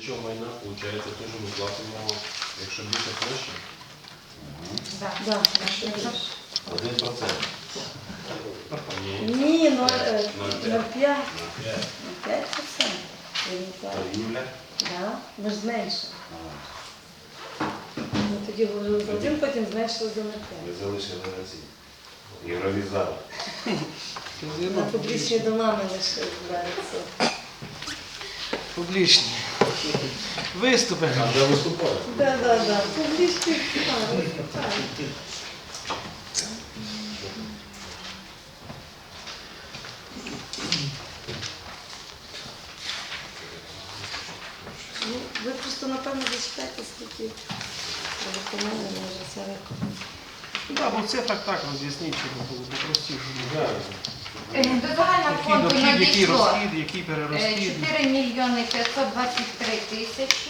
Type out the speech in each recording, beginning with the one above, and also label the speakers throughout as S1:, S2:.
S1: діючого майна, виходить, теж ми платимо, якщо більше площі.
S2: Да.
S3: 1%.
S2: Ні, 0,5%.
S1: 0,5.
S2: 5%.
S3: Торгівля.
S2: Да, ми ж зменшили. Ми тоді говорили за 1, потім зменшили до 0,5.
S3: Ви залишили разі. Євровізар.
S2: На публічні дома ми лише збирається.
S4: Публічні. Виступи.
S1: А де виступають?
S2: Да. Публічні дома. Ну, ви просто, напевно, зачитайте, скільки виконання може зараз.
S4: Так, бо в цифрах так роз'ясніть, щоб було попростіше.
S5: До загального
S4: Який
S5: фонду
S4: дохід, який
S5: надійшло
S4: розхід, який перерозхід.
S5: 4 мільйони 523 тисячі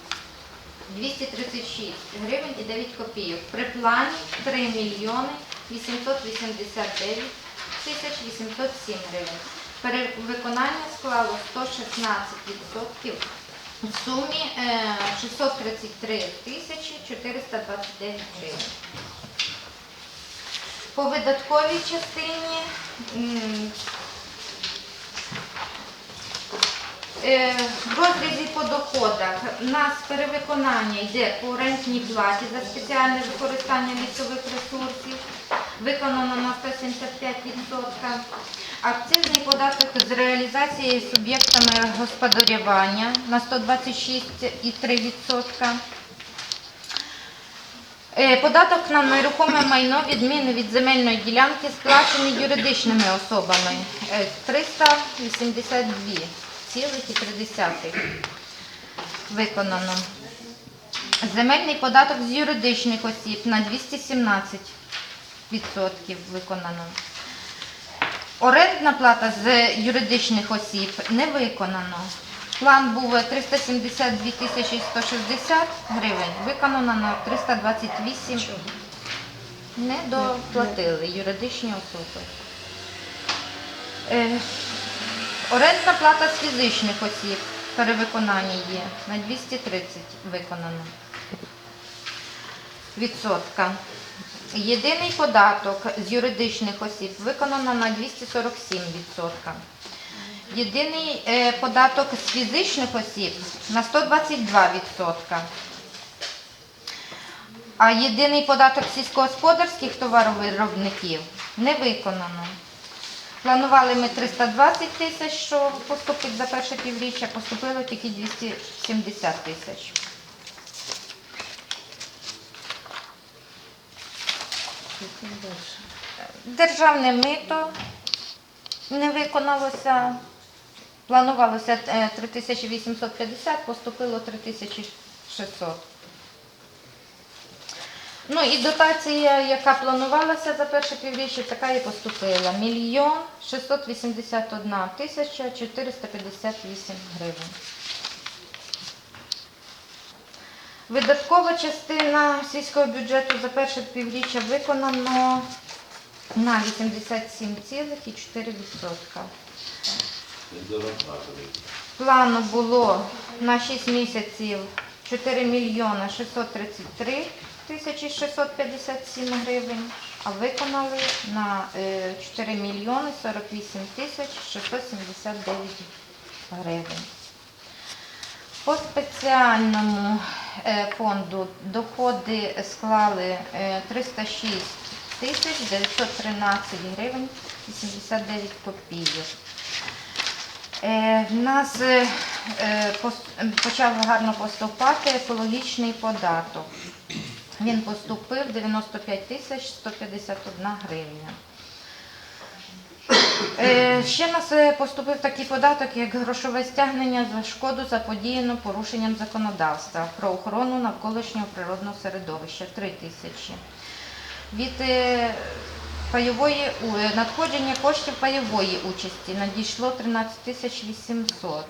S5: 236 гривень і 9 копійок. При плані 3 мільйони 889 тисяч 807 гривень. Перевиконання склало 116% в сумі 633 тисячі 429 гривень. По видатковій частині в розрізі по доходах у нас перевиконання йде по рентній платі за спеціальне використання лісових ресурсів, виконано на 175%. Акцизний податок з реалізації суб'єктами господарювання на 126,3%. Податок на нерухоме майно відміни від земельної ділянки сплачені юридичними особами 382,3 виконано. Земельний податок з юридичних осіб на 217% виконано. Орендна плата з юридичних осіб не виконано. План був 372 тисячі 160 гривень, виконано на 328. Не доплатили юридичні особи. Орендна плата з фізичних осіб, перевиконання є, на 230 виконано відсотка. Єдиний податок з юридичних осіб виконано на 247%. Єдиний податок з фізичних осіб на 122%. А єдиний податок сільськогосподарських товаровиробників не виконано. Планували ми 320 тисяч, що поступить за перше півріччя, поступило тільки 270 тисяч. Державне мито не виконалося. Планувалося 3850, поступило 3600. Ну і дотація, яка планувалася за перше півріччя, така і поступила. 1 681 тисяча 458 гривень. Видаткова частина сільського бюджету за перше півріччя виконано на 87,4%. Плану було на 6 місяців 4 мільйони 633 тисячі 657 гривень, а виконали на 4 мільйони 48 тисяч 679 гривень. По спеціальному фонду доходи склали 306 тисяч 913 гривень 89 копійок. В нас почав гарно поступати екологічний податок. Він поступив 95 тисяч 151 гривня. Ще в нас поступив такий податок, як грошове стягнення за шкоду, заподіяну порушенням законодавства про охорону навколишнього природного середовища 3 тисячі. Від надходження коштів пайової участі надійшло 13 тисяч 800.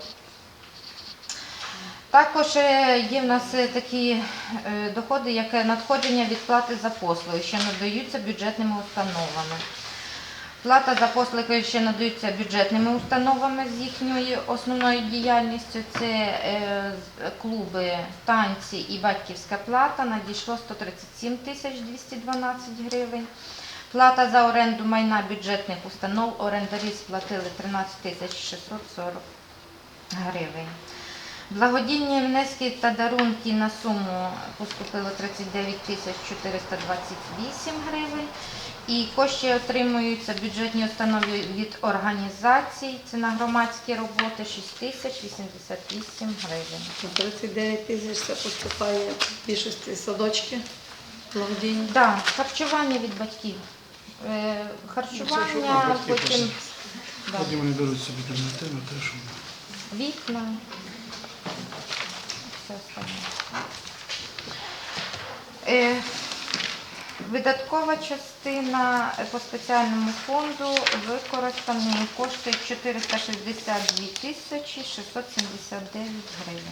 S5: Також є в нас такі доходи, як надходження від плати за послуги, що надаються бюджетними установами. Плата за послуги, що надаються бюджетними установами з їхньою основною діяльністю, це клуби, танці і батьківська плата надійшло 137 тисяч 212 гривень. Плата за оренду майна бюджетних установ орендарі сплатили 13 тисяч 640 гривень. Благодійні внески та дарунки на суму поступило 39 тисяч 428 гривень. І кошти отримуються бюджетні установи від організацій, це на громадські роботи 6 тисяч 88 гривень.
S2: 39 тисяч це поступає в більшості садочки благодійні.
S5: Так, харчування від батьків. Харчування, потім да,
S4: Потім вони беруть собі альтернативу, те, що
S5: вікна, все остальне. Видаткова частина по спеціальному фонду використані кошти 462 тисячі 679 гривень.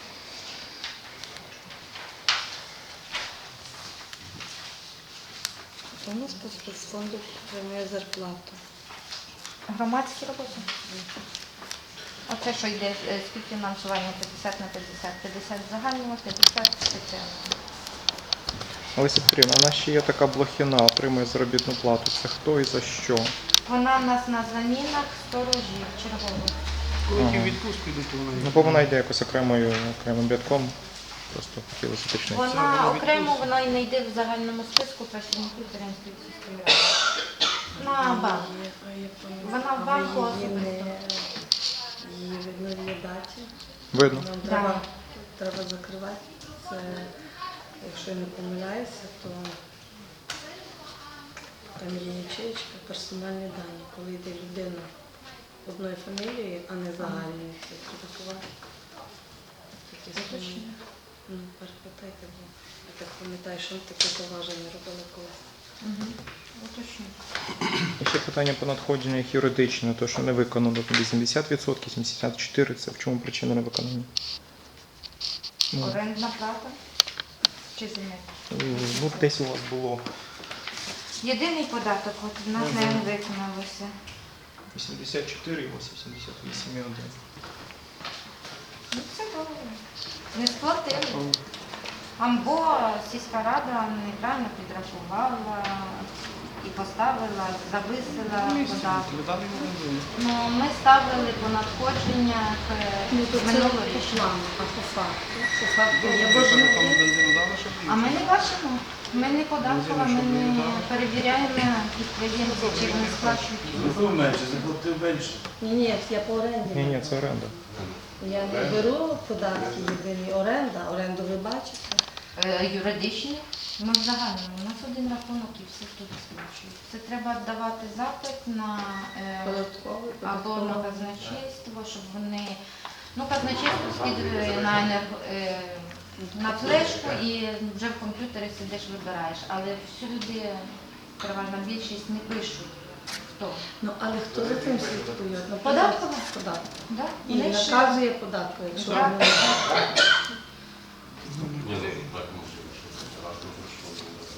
S2: У нас по спецфонду отримує зарплату.
S5: Громадські роботи. Оце, що йде співфінансування 50 на 50. 50 загального, 50 спеціального.
S6: Олеся Петрівна, у нас ще є така Блохіна, отримує заробітну плату. Це хто і за що?
S5: Вона в нас на замінах сторожів чергових.
S4: коли ті
S6: Ага.
S4: в відпустку йдуть, то вона
S6: Ну, бо вона йде якось окремим рядком. Просто хотілося уточнити.
S5: Вона окремо, вона і не йде в загальному списку працівників Теренської сільської ради. На банк. Вона в банку особисто.
S2: Її видно в її даті.
S6: Видно.
S2: Нам
S5: Да.
S2: треба закривати. Це, якщо я не помиляюся, то там є ячеєчка, персональні дані. Коли йде людина одної фамілії, а не загальної, це треба ховати. Такі самі. Ну, перепитайте, бо я так пам'ятаю, що таке поваження робили колись.
S5: Угу. Уточню.
S6: І ще питання по надходженнях юридичне, то що не виконано 80%, 74%. Це в чому причина невиконання? Ну,
S5: Орендна плата чи земель?
S6: ну, десь у вас було
S5: Єдиний податок, от в нас не виконалося.
S6: 84 і 88,1.
S5: Ну, це добре. Не сплатили. Або сільська рада неправильно підрахувала і поставила, зависила податок.
S4: Летати не буде.
S5: Ну, ми ставили по надходженнях
S2: Ну, то це по
S5: минулорічно.
S2: плану, а по факту? По факту є
S4: Там
S2: боржники.
S4: бензину дали, щоб
S5: А ми не бачимо. Ми не податкова, ми не перевіряємо підприємців, чи вони сплачують.
S3: Заплатив менше, заплатив менше.
S2: Ні, я по оренді.
S6: Ні, це оренда.
S2: Я не беру податки єдині. Оренду ви бачите.
S5: Юридичні, ми в загальному. У нас один рахунок і всі тут сплачують. Це треба давати запит на
S2: Податковий,
S5: або на
S2: податковий.
S5: казначейство, щоб вони, ну, казначейство скидує на флешку і вже в комп'ютері сидиш, вибираєш. Але всюди переважна більшість не пишуть. Хто?
S2: Ну, але хто за цим слідкує? Наприклад,
S5: Податкова.
S2: Податок.
S5: Да?
S2: І
S5: Вони ще-
S2: наказує податку, якщо
S5: Так.
S2: вони
S1: Ні, ну так можливо, що це разом пройшло.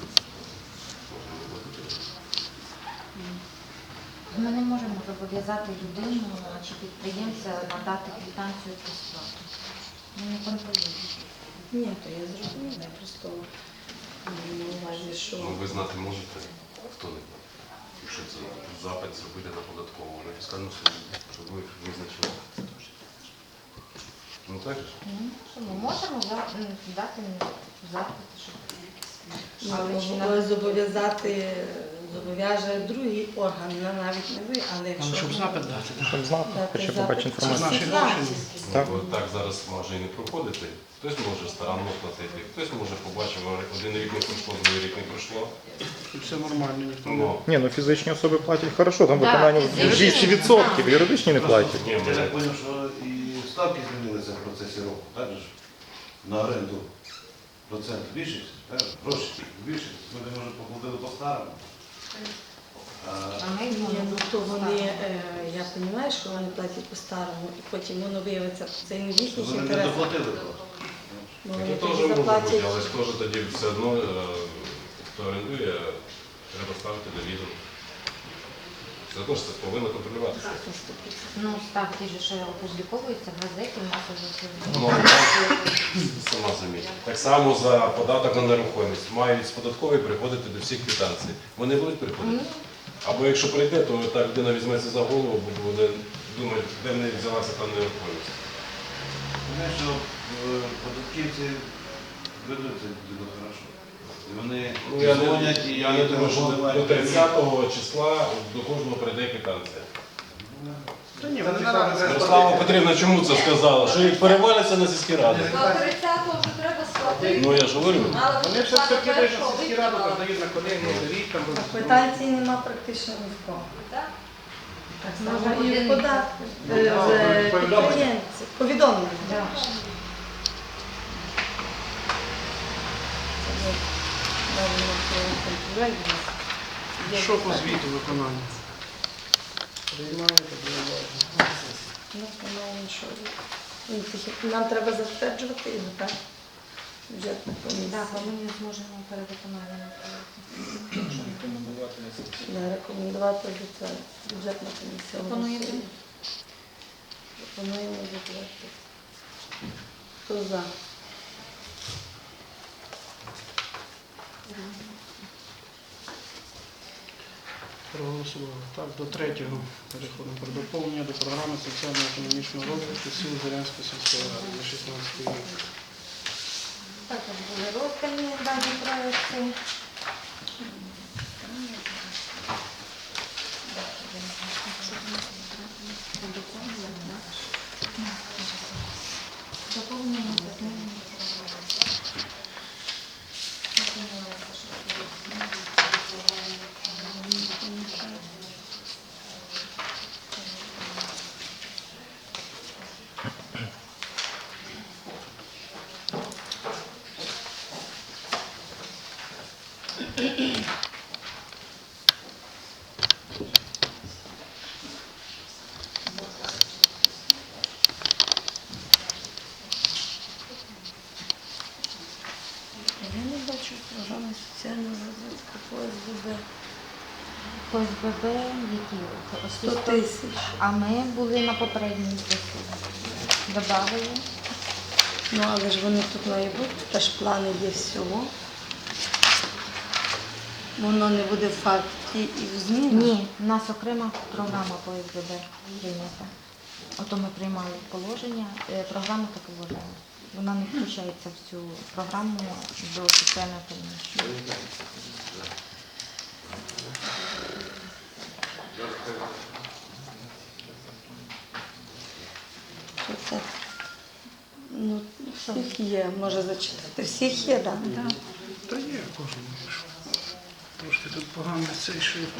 S5: Ми не можемо зобов'язати людину чи підприємця надати квитанцію про сплату. Ми не контролюємо.
S2: Ні, то я зрозуміла. Я просто маю на увазі, що
S1: Ну, ви знати можете, хто не платить. Якщо це запит зробити на податкову, на фіскальну службу, щоб ви визначили. Ну так же ж?
S5: Ну, що ми можемо дати запит, щоб
S2: зобов'яже другий орган, навіть не ви, але
S4: Але
S2: якщо
S4: щоб запит дати. так.
S6: Щоб знати,
S2: дати
S6: хоча б
S2: запит,
S6: побачити інформацію.
S4: Наші
S2: всі
S4: гроші.
S2: знають.
S6: Так.
S1: Ну, бо так зараз може і не проходити. Хтось може старанно платити, хтось може побачив, один рік не пройшло, другий рік не пройшло.
S4: Тут все нормально, ніхто не...
S1: Ну,
S6: Ні, ну фізичні особи платять хорошо, там
S5: Да,
S6: виконання
S5: фізичні,
S6: 200%, юридичні не платять.
S1: ні,
S3: Я
S1: ми
S3: так зрозумів, що і ставки змінилися в процесі року, так же ж? На оренду процент збільшився, так? Гроші збільшилися. Люди, може, поплатили по-старому.
S5: а ми
S2: Ні, ну то вони, я розумію, що вони платять по-старому, і потім воно виявиться, це не в їхніх
S3: Вони не
S2: інтересах.
S3: доплатили.
S2: Бо
S1: це
S2: вони
S1: теж
S2: тоді
S1: може бути,
S2: заплатять.
S1: але ж теж тоді все одно, хто орендує, треба ставити на відео. Все одно ж це повинно контролюватися.
S5: ну, ставки ж, що опубліковуються в газеті, в нас уже
S1: Ну, а Так само за податок на нерухомість. Мають з податкової приходити до всіх квитанцій. Вони будуть приходити? Або якщо прийде, то та людина візьметься за голову, бо буде думати, де в неї взялася та нерухомість.
S3: Знаєш, що податківці ведуть це дуже хорошо. І вони
S1: Ну, я
S3: дзвонять і
S1: не думаю, що
S3: телефонують.
S1: до 30-го числа до кожного прийде квитанція.
S4: Та ні, вони наразі
S1: Ярослава Петрівна чому це сказала? Що їх переваляться на сільські ради?
S7: До 30-го вже треба сплатити.
S1: Ну я ж говорю.
S7: Мало
S4: Вони все
S7: сплати
S4: таки кидають на
S7: першого
S4: сільські ради,
S7: виконали.
S4: передають на колегію, рік там.
S2: А квитанцій нема практично ні в кого.
S7: Так?
S2: Так
S5: Може,
S2: само і
S5: один
S2: в податку.
S4: Повідомлення.
S2: Підприємці. Повідомлення.
S5: Да.
S2: Це от навіть на цьому контролі є.
S4: Що по звіту виконання? Приймаєте, приймаєте.
S2: Ну, по-моєму, що ну, нам треба затверджувати його, так? Бюджетна комісія.
S5: Так, але ми не зможемо перевиконання направити.
S2: Да, рекомендувати до це бюджетна комісія.
S5: Пропонуєте?
S2: голосує. Пропонуємо затвердити. Хто за?
S4: Проголосували. Так, до третього переходимо. Про доповнення до програми соціально-економічного розвитку сіл Зорянської сільської ради за 16 рік.
S5: Також були роздані дані проекти. Доповнення та зміни.
S2: Я не бачу програми соціального розвитку ОСББ.
S5: ОСББ, які
S2: 100 тисяч.
S5: А ми були на попередній сесії. Добавили.
S2: Ну, але ж вони тут мають бути, теж плани є всього. Воно не буде в факті і в змінах.
S5: Ні, у нас окрема програма по СББ прийнята. Ото ми приймали положення, програму та положення. Вона не включається в цю програму до соціально-економічної.
S2: Що це? Ну, всіх є, може зачитати. Всіх є, так? Да?
S4: Та є кожен. Трошки тут погано цей шрифт.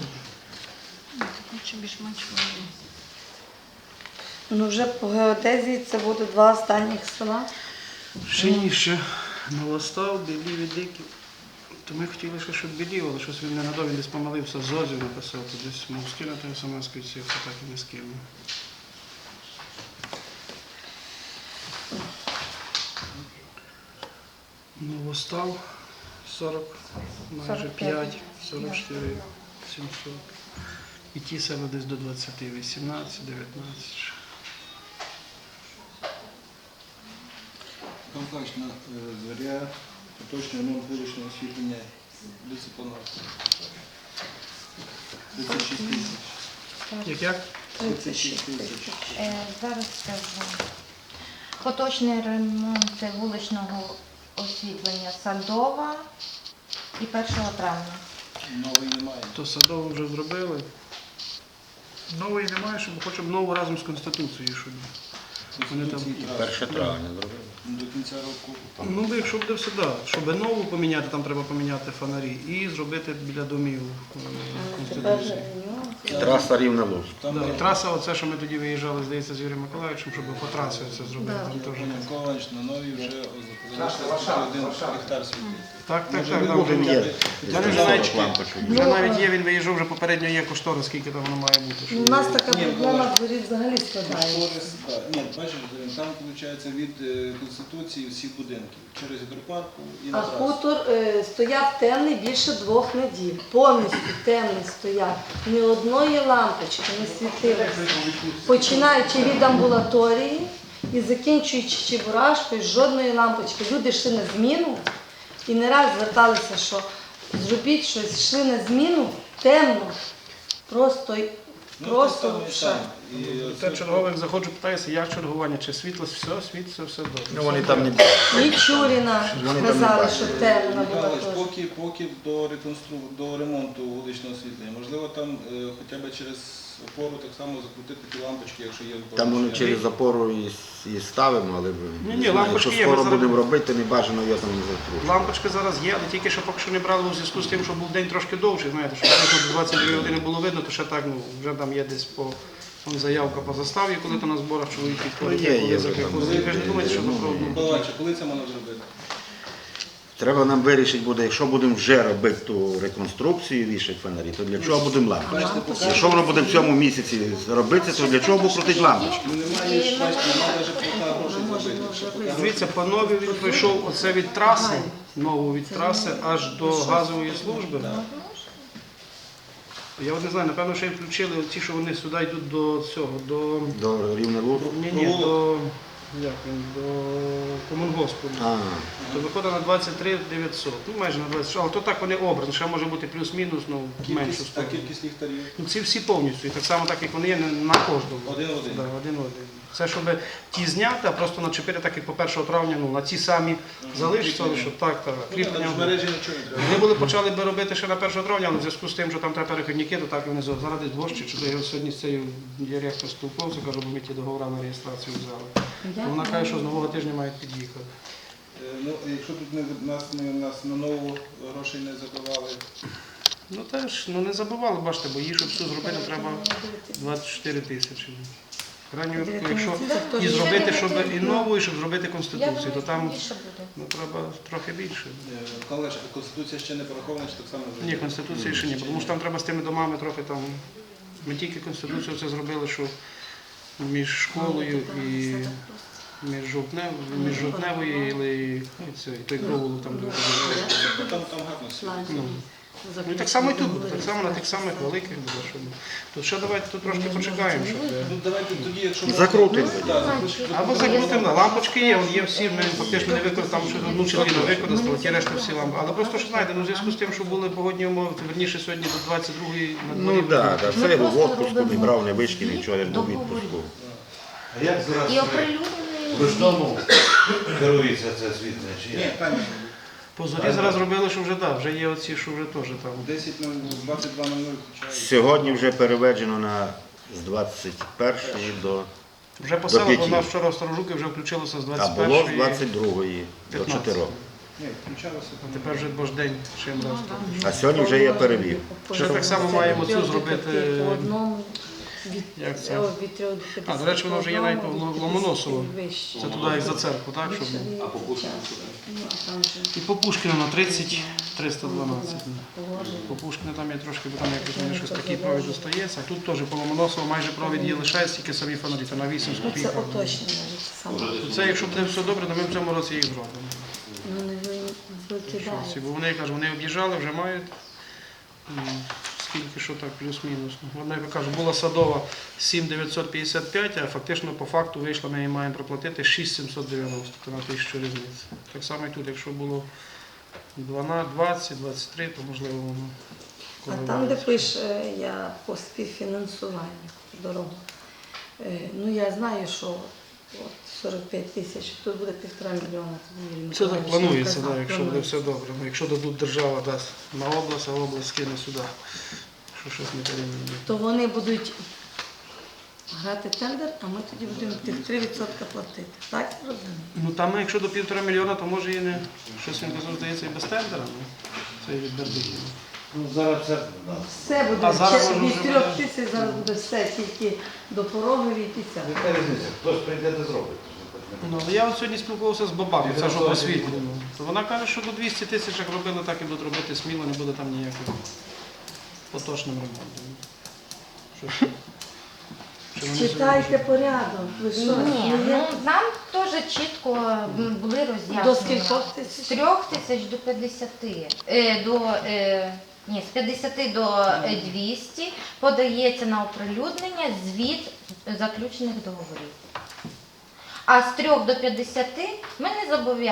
S2: Ну, вже по геодезії це буде 2 останніх села.
S4: Ще ні, ще Новостав, Білів і Диків. То ми хотіли ще, щоб Білів, але щось він не надав, він десь помилився, в ЗОЗі написав, то десь мав скинути смс-ку, це так і не скинув. Новостав 40, майже 5, 44, 700. І ті села десь до 20, 18, 19.
S8: Компактна зоря, поточне ремонт вуличного освітлення, дисциплінарне. 36 тисяч.
S4: Як?
S2: 36 тисяч.
S5: Зараз скажу. Поточний ремонт вуличного освітлення Садова і 1 травня.
S8: Новий немає.
S4: То Садову вже зробили. Нової немає, щоб хочемо нову разом з Конституцією, щоб вони там.
S8: До кінця року.
S4: Ну, бо якщо буде все, да. Щоб нову поміняти, там треба поміняти фонарі і зробити біля домів
S2: Тепер
S4: Конституції.
S2: нюанси.
S9: Траса Рівне-Луцьк.
S8: Там
S4: Да, і траса, оце, що ми тоді виїжджали, здається, з Юрієм Миколаївичем, щоб по трасі це зробити.
S2: Да.
S4: Там теж.
S8: Пане Миколаївич, на новій вже залишилося 1 гектар світить.
S4: Так, так,
S8: Може,
S4: так.
S8: ви
S4: Там вже
S8: будете
S4: є. У мене вже навіть є, він виїжджав, вже попередньо є кошторис, скільки там воно має бути.
S2: Ну, у нас така
S8: Ні,
S2: проблема
S8: Микола.
S2: в дворі взагалі складається.
S8: Кошторис, так. Ні, бачиш, там виходить від Конституції всіх будинків. Через гідропарку і
S2: А
S8: на трасу.
S2: хутор стояв темний більше 2 неділь. Повністю темний стояв. Ні одної лампочки не світилося. Починаючи від амбулаторії і закінчуючи Чебурашкою, жодної лампочки. Люди йшли на зміну і не раз зверталися, що зробіть щось, йшли на зміну, темно, просто все.
S4: Те чергових заходжу, питаюся, як чергування, чи світло, все, все добре.
S6: Ну вони там не
S2: І Чуріна сказали, що темно була
S8: Михайлович,
S2: теж.
S8: поки до ремонту вуличного освітлення, можливо, там хоча б через опору так само закрутити ті лампочки, якщо є
S9: Там вони
S8: порушення.
S9: через запору і ставимо, але
S4: Ні, лампочки
S9: якщо
S4: є, ми
S9: скоро
S4: зараз-
S9: будемо робити, не бажано його там не закручувати.
S4: Лампочки зараз є, але тільки що поки що не брали у зв'язку з тим, що був день трошки довший, знаєте, що якщо 22 години було видно, то ще так, ну, вже там є десь по там заявка по заставі, коли то на зборах чоловік підходить,
S9: Ну, є
S4: коли
S9: вже там.
S4: закрикує. Ви ж не думаєте, що
S8: Ну,
S4: то
S8: Балаче, коли це можна зробити?
S9: Треба нам вирішити буде, якщо будемо вже робити ту реконструкцію, вішати фонарі, то для чого будемо лампочки? Якщо воно буде в цьому місяці робитися, то для чого буде крутити лампочки?
S8: Ну немає ж, бачите, немає навіть поки грошей зробити. Щоб поки
S4: Дивіться, по новій він пройшов оце від траси, нову від траси аж до газової служби. Я от не знаю, напевно, що їм включили ті, що вони сюди йдуть до цього, до
S9: До рівня луку?
S4: ні, до як він, до комунгоспу.
S9: А,
S4: То виходить на 23 900, ну майже на 20, але то так вони обрані, ще може бути плюс-мінус, ну меншу
S8: та
S4: сторону.
S8: кількість ліхтарів.
S4: Ну, ці всі повністю, і так само так, як вони є, на кожному.
S8: Один в один.
S4: Да, один в один. Це щоб ті зняти, а просто начепити, так як по 1 травня, ну, на ті самі залишиться, але щоб так,
S8: Ну, там
S4: кріплення.
S8: ж в мережі нічого не треба.
S4: Вони були почали би робити ще на 1 травня, але в зв'язку з тим, що там треба перехідники, то так і вони зараз десь дощі, чи то я сьогодні з цією директором спілкувався, кажу, бо ми ті договори на реєстрацію взяли. Вона каже, що з нового тижня мають під'їхати.
S8: Ну, якщо тут нас на нову грошей не забивали,
S4: Ну теж, ну не забували, бачите, бо її, щоб все зробити, треба 24 тисячі. В крайньому випадку, якщо і зробити, щоб і нову, і щоб зробити конституцію, то там ну, треба трохи більше.
S8: Михайлович, Конституція ще не порахована, чи так само вже?
S4: Ні, конституції ще ні, тому що там треба з тими домами трохи там. Ми тільки конституцію це зробили, що між школою і між жовтневою і той провулок там, де ви ходили.
S8: Там гарно все.
S4: Ну і так само і тут буде, так само на тих самих великих буде. Щоб... Тут ще давайте тут трошки почекаємо, щоб.
S8: Ну давайте тоді, якщо
S9: закрутимо.
S4: Або закрутимо, на лампочки є, є всі, ми фактично не використали, що одну чи дві не використали, ті решта всі лампи. Але просто що знаєте, ну в зв'язку з тим, що були погодні умови, то верніше сьогодні до 22-ї на дворі.
S9: Ну так, це я був в отпуску, не брав не вишки, нічого, я ж був в відпуску.
S3: А як
S5: І
S3: зараз
S5: оприлюднений.
S3: ручному керується це освітлення? Чи
S8: Ні,
S3: як?
S8: там
S4: По зорі зараз робили, що вже да, вже є оці, що вже теж там.
S8: 10 на 22 на 0 включають.
S9: Сьогодні вже переведено з 21 до...
S4: Вже
S9: До
S4: посела,
S9: п'яті.
S4: вона вчора в Старожуки вже включилося з
S9: А було з
S4: 21-ї.
S9: 22 до
S4: 15.
S9: 4.
S8: Ні, включалося.
S4: А тепер вже бождень чим раз.
S9: А сьогодні вже є перевів.
S4: Ще так само маємо цю зробити,
S2: По одному від,
S4: як це?
S2: від 3 до 50.
S4: А, до речі, воно вже є навіть по Ломоносово.
S2: Вище.
S4: Це туди як за церкву, так? Щоб...
S2: А по
S4: І по Пушкіну на 30 312. По Пушкіну там є трошки, бо там якось мені щось такий провід достається. А тут теж по Ломоносово майже провід є лишається, тільки самі фонарі, то на 8 з
S2: Ну, це
S4: копійками.
S2: уточнення саме.
S4: Це якщо буде все добре, то ми в цьому році їх зробимо.
S2: Ну, не викидають.
S4: Бо вони кажуть, вони об'їжджали, вже мають. Скільки що так, плюс-мінус. Вона, я кажу, була садова 7,955, а фактично по факту вийшло, ми її маємо проплатити 6,790, то на 1000 різниці. Так само і тут, якщо було 12, 23, то можливо воно.
S2: А там, де пише я по співфінансуванню дорогу, ну я знаю, що от 45 тисяч, тут буде 1,5 мільйона.
S4: Це так планується, да, якщо буде все добре. Ну, якщо дадуть держава дасть на область, а область скине сюди. Що щось не порівняно.
S2: То вони будуть грати тендер, а ми тоді будемо тих 3% платити. Так я розумію?
S4: Ну там, якщо до 1,5 мільйона, то може і не щось він казав, здається, і без тендера. Ну, це і від Бердиків.
S3: Ну, зараз це... да.
S2: Все буде,
S4: А зараз
S2: ще
S4: воно
S2: від
S4: вже
S2: 3
S4: буде.
S2: тисяч зараз буде все, тільки до пороги війтися.
S3: Яка різниця? Хтось прийде та зробить.
S4: Ну, але я от сьогодні спілкувався з бабами, це ж освітлено. То вона каже, що до 200 тисяч як робили, так і будуть робити сміло, не буде там ніякого поточним ремонтом. Що вони
S2: Читайте порядок. Ви що?
S5: Ні,
S2: Ну,
S5: ну нам теж чітко були
S2: До
S5: роз'яснення.
S2: скількох
S5: З
S2: тисяч?
S5: 3 тисяч до 50. Ні, з 50 до 200 подається на оприлюднення звіт заключених договорів. А з 3 до 50 ми не зобов'язані.